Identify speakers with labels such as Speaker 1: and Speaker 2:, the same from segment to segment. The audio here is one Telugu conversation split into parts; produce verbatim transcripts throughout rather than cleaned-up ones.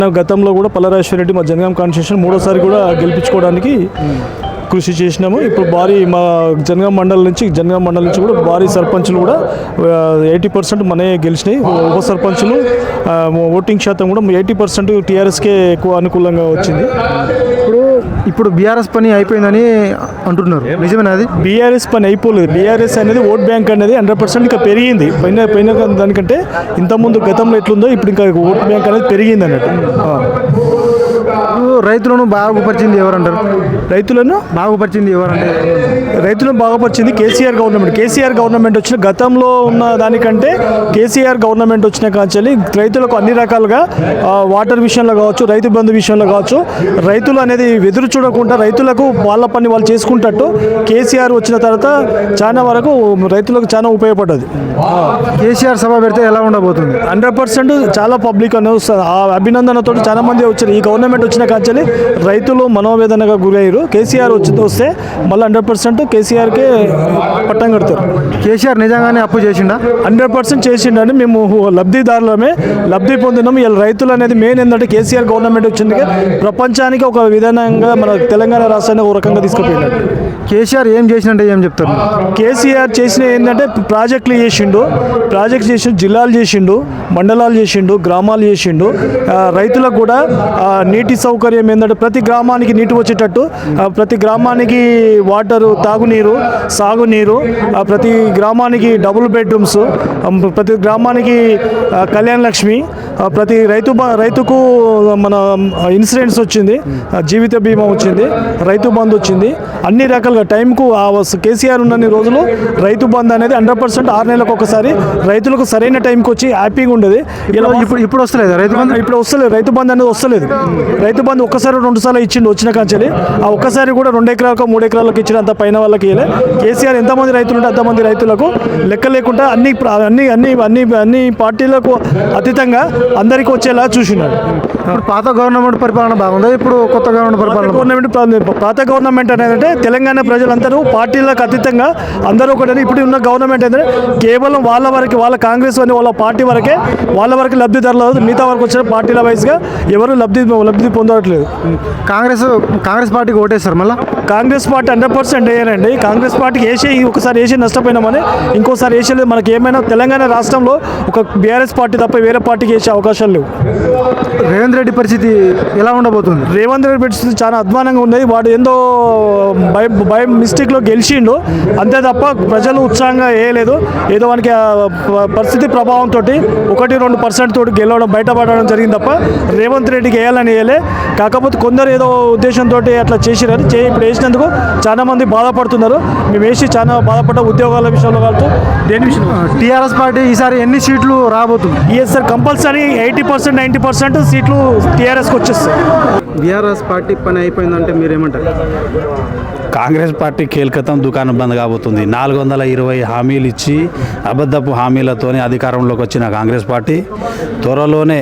Speaker 1: గతంలో కూడా పల్లరాజేశ్వర రెడ్డి మా జనగాం కాన్స్టిట్యూషన్ మూడోసారి కూడా గెలిపించుకోవడానికి కృషి చేసినాము. ఇప్పుడు భారీ మా జనగాం మండలం నుంచి జనగాం మండలం నుంచి కూడా భారీ సర్పంచులు కూడా ఎయిటీ పర్సెంట్ మనే గెలిచినాయి. ఉప సర్పంచులు ఓటింగ్ శాతం కూడా ఎయిటీ పర్సెంట్ టీఆర్ఎస్కే ఎక్కువ అనుకూలంగా వచ్చింది.
Speaker 2: ఇప్పుడు ఇప్పుడు బీఆర్ఎస్ పని అయిపోయిందని అంటున్నారు, నిజమేనా? అది
Speaker 1: బీఆర్ఎస్ పని అయిపోలేదు. బీఆర్ఎస్ అనేది ఓట్ బ్యాంక్ అనేది హండ్రెడ్ పర్సెంట్ ఇంకా పెరిగింది. పైన పైన దానికంటే ఇంతకుముందు గతంలో ఎట్లుందో ఇప్పుడు ఇంకా ఓట్ బ్యాంక్ అనేది పెరిగింది అన్నట్టు.
Speaker 2: రైతులను బాగుపరిచింది ఎవరంటారు?
Speaker 1: రైతులను
Speaker 2: బాగుపరిచింది ఎవరంటే
Speaker 1: రైతులను బాగుపరిచింది కేసీఆర్ గవర్నమెంట్. కేసీఆర్ గవర్నమెంట్ వచ్చిన గతంలో ఉన్న దానికంటే కేసీఆర్ గవర్నమెంట్ వచ్చిన కాంచెల్లి రైతులకు అన్ని రకాలుగా వాటర్ విషయంలో కావచ్చు, రైతు బంధు విషయంలో కావచ్చు, రైతులు అనేది ఎదురు చూడకుండా రైతులకు వాళ్ళ పని వాళ్ళు చేసుకుంటట్టు కేసీఆర్ వచ్చిన తర్వాత చాలా వరకు రైతులకు చాలా ఉపయోగపడ్డది.
Speaker 2: కేసీఆర్ సభ పెడితే ఎలా ఉండబోతుంది?
Speaker 1: హండ్రెడ్ పర్సెంట్ చాలా పబ్లిక్ అనేది ఆ అభినందనతో చాలా మంది వచ్చారు. ఈ గవర్నమెంట్ వచ్చిన కాంచెల్లి రైతులు మనోవేదనగా గురయ్యారు. కేసీఆర్ వచ్చి వస్తే మళ్ళీ హండ్రెడ్ పర్సెంట్ కేసీఆర్కే పట్టం కడతారు.
Speaker 2: కేసీఆర్ నిజంగానే అప్పు చేసిండా?
Speaker 1: హండ్రెడ్ పర్సెంట్ చేసిండని మేము లబ్ధిదారులమే లబ్ధి పొందినాం. ఇలా రైతులు అనేది మెయిన్ ఏంటంటే కేసీఆర్ గవర్నమెంట్ వచ్చింది ప్రపంచానికి ఒక విధానంగా మన తెలంగాణ రాష్ట్రాన్ని ఒక రకంగా తీసుకుపోయినాడు.
Speaker 2: కేసీఆర్ ఏం చేసినంటే ఏం చెప్తారు?
Speaker 1: కేసీఆర్ చేసిన ఏంటంటే ప్రాజెక్టులు చేసిండు, ప్రాజెక్ట్ చేసిండు, జిల్లాలు చేసిండు, మండలాలు చేసిండు, గ్రామాలు చేసిండు. రైతులకు కూడా నీటి సౌకర్యం ఏంటంటే ప్రతి గ్రామానికి నీటి వచ్చేటట్టు, ప్రతి గ్రామానికి వాటరు, తాగునీరు, సాగునీరు, ప్రతి గ్రామానికి డబుల్ బెడ్రూమ్స్, ప్రతి గ్రామానికి కళ్యాణ లక్ష్మి, ప్రతి రైతు రైతుకు మన ఇన్సూరెన్స్ వచ్చింది, జీవిత బీమా వచ్చింది, రైతు బంధు వచ్చింది. అన్ని రకాలుగా టైంకు కేసీఆర్ ఉన్నన్ని రోజులు రైతు బంధు అనేది హండ్రెడ్ పర్సెంట్ ఆరు నెలలకు ఒకసారి రైతులకు సరైన టైంకి వచ్చి హ్యాపీగా ఉండేది. ఇలా
Speaker 2: ఇప్పుడు ఇప్పుడు వస్తలేదు రైతు బంధు,
Speaker 1: ఇప్పుడు వస్తలేదు రైతు బంధు అనేది వస్తలేదు. రైతు బంధు ఒక్కసారి రెండు సార్లు ఇచ్చిండు వచ్చిన కాంచెల్లి. ఆ ఒక్కసారి కూడా రెండు ఎకరాలకు మూడు ఎకరాలకు ఇచ్చిన అంత పైన వాళ్ళకి ఇవ్వలే. కేసీఆర్ ఎంతమంది రైతులు ఉంటే అంతమంది రైతులకు లెక్క లేకుండా అన్ని అన్ని అన్ని అన్ని అన్ని పార్టీలకు అతీతంగా అందరికీ వచ్చేలా చూసినాడు.
Speaker 2: ఇప్పుడు పాత గవర్నమెంట్ పరిపాలన బాగుందా? ఇప్పుడు కొత్త గవర్నమెంట్ పరిపాలన
Speaker 1: గవర్నమెంట్ పాత గవర్నమెంట్ అనేది తెలంగాణ ప్రజలందరూ పార్టీలకు అతీతంగా అందరూ ఒకటి. ఇప్పుడు ఉన్న గవర్నమెంట్ ఏంటంటే కేవలం వాళ్ళ వరకు, వాళ్ళ కాంగ్రెస్ అని వాళ్ళ పార్టీ వరకే, వాళ్ళ వరకు లబ్ధిదారులు, మిగతా వరకు వచ్చిన పార్టీల వైజ్గా ఎవరు లబ్ధి లబ్ధి పొందట్లేదు.
Speaker 2: కాంగ్రెస్ కాంగ్రెస్ పార్టీకి ఓటేస్తారు మళ్ళీ.
Speaker 1: కాంగ్రెస్ పార్టీ హండ్రెడ్ పర్సెంట్ వేయనండి. కాంగ్రెస్ పార్టీకి వేసే ఒకసారి వేసి నష్టపోయినామని ఇంకోసారి వేసేలేదు. మనకి ఏమైనా తెలంగాణ రాష్ట్రంలో ఒక బీఆర్ఎస్ పార్టీ తప్ప వేరే పార్టీకి వేసే అవకాశాలు లేవు.
Speaker 2: రేవంత్ రెడ్డి పరిస్థితి ఎలా ఉండబోతుంది?
Speaker 1: రేవంత్ రెడ్డి పరిస్థితి చాలా అధ్వానంగా ఉన్నది. వాడు ఏందో బై బై మిస్టేక్లో గెలిచిండు అంతే తప్ప ప్రజలు ఉత్సాహంగా వేయలేదు. ఏదో వానికి పరిస్థితి ప్రభావంతో ఒకటి రెండు పర్సెంట్ తోటి గెలవడం బయటపడడం జరిగింది తప్ప రేవంత్ రెడ్డికి వేయాలని వేయలే. కాకపోతే కొందరు ఏదో ఉద్దేశంతో అట్లా చేసిరని చే ఇప్పుడు వేసినందుకు చాలా మంది బాధపడుతున్నారు. మేము వేసి చాలా బాధపడ్డ ఉద్యోగాల విషయంలో కాదు దేని విషయం.
Speaker 2: టీఆర్ఎస్ పార్టీ ఈసారి ఎన్ని సీట్లు రాబోతుంది?
Speaker 1: Yes sir, compulsory eighty percent ninety percent సీట్లు టీఆర్ఎస్కి వచ్చేస్తాయి.
Speaker 2: బీఆర్ఎస్ పార్టీ పని అయిపోయిందంటే మీరేమంటారు?
Speaker 3: కాంగ్రెస్ పార్టీ కేల్కతం దుకాణం బంద్ కాబోతుంది. నాలుగు వందల ఇరవై హామీలు ఇచ్చి అబద్ధపు హామీలతోనే అధికారంలోకి వచ్చిన కాంగ్రెస్ పార్టీ త్వరలోనే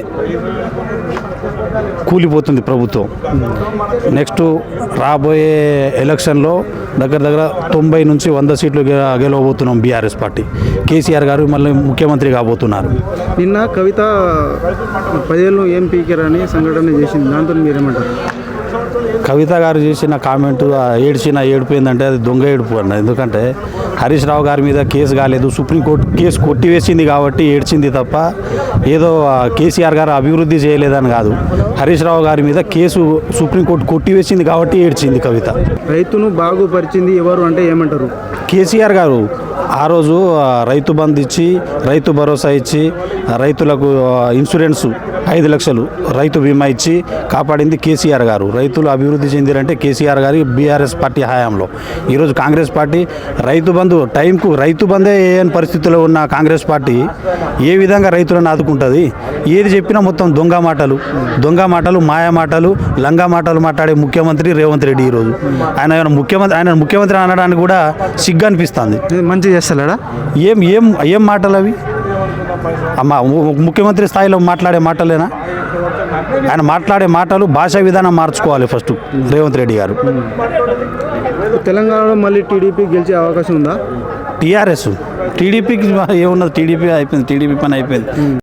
Speaker 3: కూలిపోతుంది ప్రభుత్వం. నెక్స్ట్ రాబోయే ఎలక్షన్లో దగ్గర దగ్గర తొంభై నుంచి వంద సీట్లు గెలవబోతున్నాం బీఆర్ఎస్ పార్టీ. కేసీఆర్ గారు మళ్ళీ ముఖ్యమంత్రి కాబోతున్నారు.
Speaker 2: నిన్న కవిత పదేళ్ళు ఏం పీకేరని సంఘటన చేసింది, దాంతో మీరేమంటారు?
Speaker 3: కవిత గారు చేసిన కామెంటు ఏడ్చిన ఏడుపు ఏంటంటే అది దొంగ ఏడుపు అన్న. ఎందుకంటే హరీష్ రావు గారి మీద కేసు కాలేదు, సుప్రీంకోర్టు కేసు కొట్టివేసింది కాబట్టి ఏడ్చింది తప్ప ఏదో కేసీఆర్ గారు అభివృద్ధి చేయలేదని కాదు. హరీష్ రావు గారి మీద కేసు సుప్రీంకోర్టు కొట్టివేసింది కాబట్టి ఏడ్చింది కవిత.
Speaker 2: రైతును బాగుపరిచింది ఎవరు అంటే ఏమంటారు?
Speaker 3: కేసీఆర్ గారు ఆ రోజు రైతు బంధు ఇచ్చి, రైతు భరోసా ఇచ్చి, రైతులకు ఇన్సూరెన్స్ ఐదు లక్షలు రైతు బీమా ఇచ్చి కాపాడింది కేసీఆర్ గారు. రైతులు అభివృద్ధి చెందిరంటే కేసీఆర్ గారి బీఆర్ఎస్ పార్టీ హయాంలో. ఈరోజు కాంగ్రెస్ పార్టీ రైతు బంధు టైంకు రైతు బంధే వేయని పరిస్థితిలో ఉన్న కాంగ్రెస్ పార్టీ ఏ విధంగా రైతులను ఆదుకుంటుంది? ఏది చెప్పినా మొత్తం దొంగ మాటలు, దొంగ మాటలు, మాయా మాటలు, లంగా మాటలు మాట్లాడే ముఖ్యమంత్రి రేవంత్ రెడ్డి. ఈరోజు ఆయన ముఖ్యమంత్రి ఆయన ముఖ్యమంత్రి అనడానికి కూడా సిగ్గు అనిపిస్తుంది.
Speaker 2: మంచిగా చేస్తలేడా?
Speaker 3: ఏం ఏం ఏం మాటలు అవి? అమ్మ ముఖ్యమంత్రి స్థాయిలో మాట్లాడే మాటలేనా? ఆయన మాట్లాడే మాటలు భాషా విధానం మార్చుకోవాలి ఫస్ట్ రేవంత్ రెడ్డి గారు.
Speaker 2: తెలంగాణలో మళ్ళీ టీడీపీ గెలిచే అవకాశం ఉందా?
Speaker 3: టీఆర్ఎస్ టీడీపీకి ఏమున్నది? టీడీపీ అయిపోయింది, టీడీపీ పని అయిపోయింది.